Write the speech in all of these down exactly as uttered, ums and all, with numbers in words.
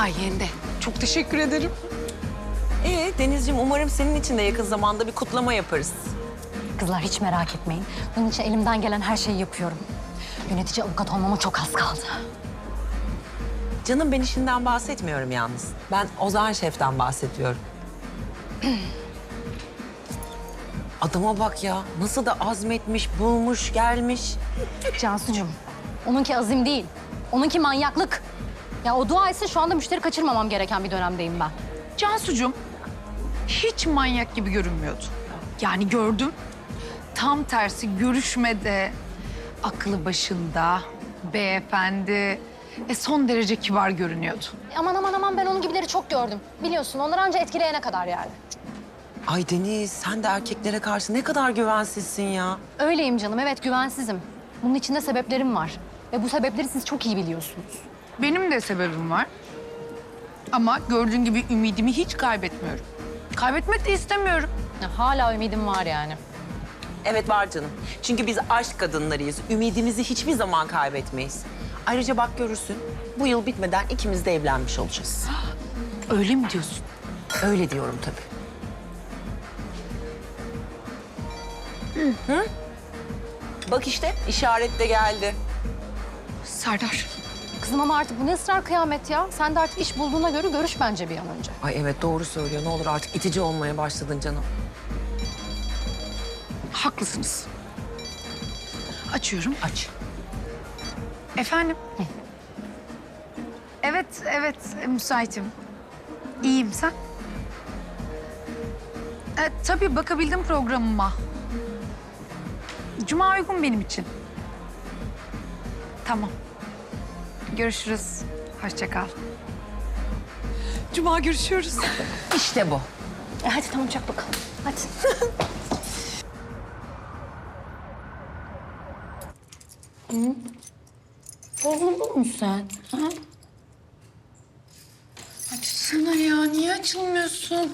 sayende. Çok teşekkür ederim. Ee Denizciğim, umarım senin için de yakın zamanda bir kutlama yaparız. Kızlar hiç merak etmeyin. Bunun için elimden gelen her şeyi yapıyorum. Yönetici avukat olmama çok az kaldı. Canım, ben işinden bahsetmiyorum yalnız. Ben Ozan Şef'ten bahsediyorum. Adama bak ya, nasıl da azmetmiş, bulmuş, gelmiş. Cansucuğum, onunki azim değil. Onunki manyaklık. Ya o dua etsin, şu anda müşteri kaçırmamam gereken bir dönemdeyim ben. Cansucuğum hiç manyak gibi görünmüyordu. Yani gördüm. Tam tersi görüşmede aklı başında, beyefendi ve son derece kibar görünüyordu. Aman aman aman, ben onun gibileri çok gördüm. Biliyorsun, onlar anca etkileyene kadar yani. Ay Deniz, sen de erkeklere karşı ne kadar güvensizsin ya. Öyleyim canım, evet güvensizim. Bunun içinde sebeplerim var. Ve bu sebepleri siz çok iyi biliyorsunuz. Benim de sebebim var. Ama gördüğün gibi ümidimi hiç kaybetmiyorum. Kaybetmek de istemiyorum. Ya, hala ümidim var yani. Evet var canım. Çünkü biz aşk kadınlarıyız. Ümidimizi hiçbir zaman kaybetmeyiz. Ayrıca bak görürsün, bu yıl bitmeden ikimiz de evlenmiş olacağız. Öyle mi diyorsun? Öyle diyorum tabii. Hı? Bak işte, işaret de geldi. Serdar. Kızım ama artık bu ne ısrar kıyamet ya? Sen de artık iş bulduğuna göre görüş bence bir an önce. Ay evet, doğru söylüyor. Ne olur artık itici olmaya başladın canım. Haklısınız. Açıyorum. Aç. Efendim? Evet, evet. Müsaitim. İyiyim, sen? E, tabii bakabildim programıma. Cuma uygun benim için. Tamam. Görüşürüz. Hoşça kal. Cuma görüşüyoruz. İşte bu. E hadi tamam, çak bakalım. Hadi. Bozuldun mu sen? Ha? Açsana ya, niye açılmıyorsun?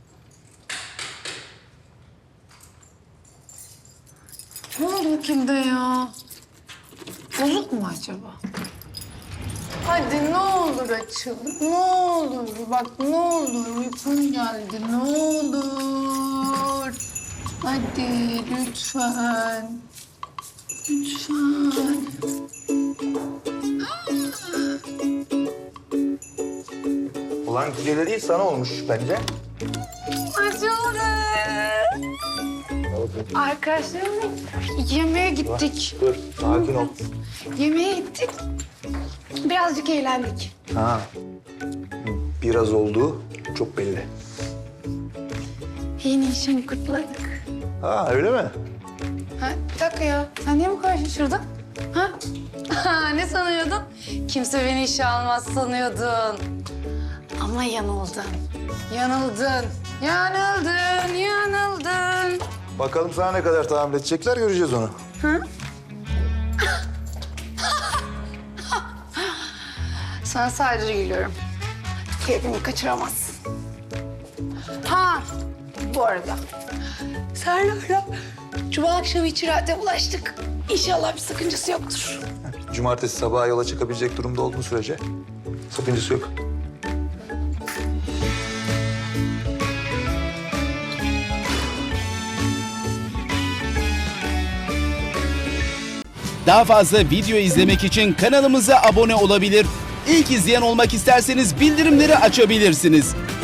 Ne oldu bu kimde ya? Bozuk mu acaba? Hadi ne olur açıl, ne olur. Bak ne olur, uykum geldi, ne olur. Hadi lütfen. Lütfen. Ulan güzeli değil sana olmuş bence. Açıldı. Arkadaşlarımla yemeğe gittik. Dur, sakin ol. Yemeğe gittik. Birazcık eğlendik. Ha. Biraz oldu, çok belli. Yeni işimi kutladık. Ha, öyle mi? Ha, bir dakika ya. Sen niye bu kadar şaşırdın? Ha? Ha, ne sanıyordun? Kimse beni işe almaz sanıyordun. Ama yanıldın. Yanıldın. Yanıldın, yanıldın. Bakalım sana ne kadar tahammül edecekler, göreceğiz onu. Sana sadece gülüyorum. Keyfimi kaçıramazsın. Ha, bu arada. Serdar'la cuma akşamı içeride bulaştık. İnşallah bir sakıncası yoktur. Cumartesi sabaha yola çıkabilecek durumda olduğun sürece sakıncası yok. Daha fazla video izlemek için kanalımıza abone olabilir. İlk izleyen olmak isterseniz bildirimleri açabilirsiniz.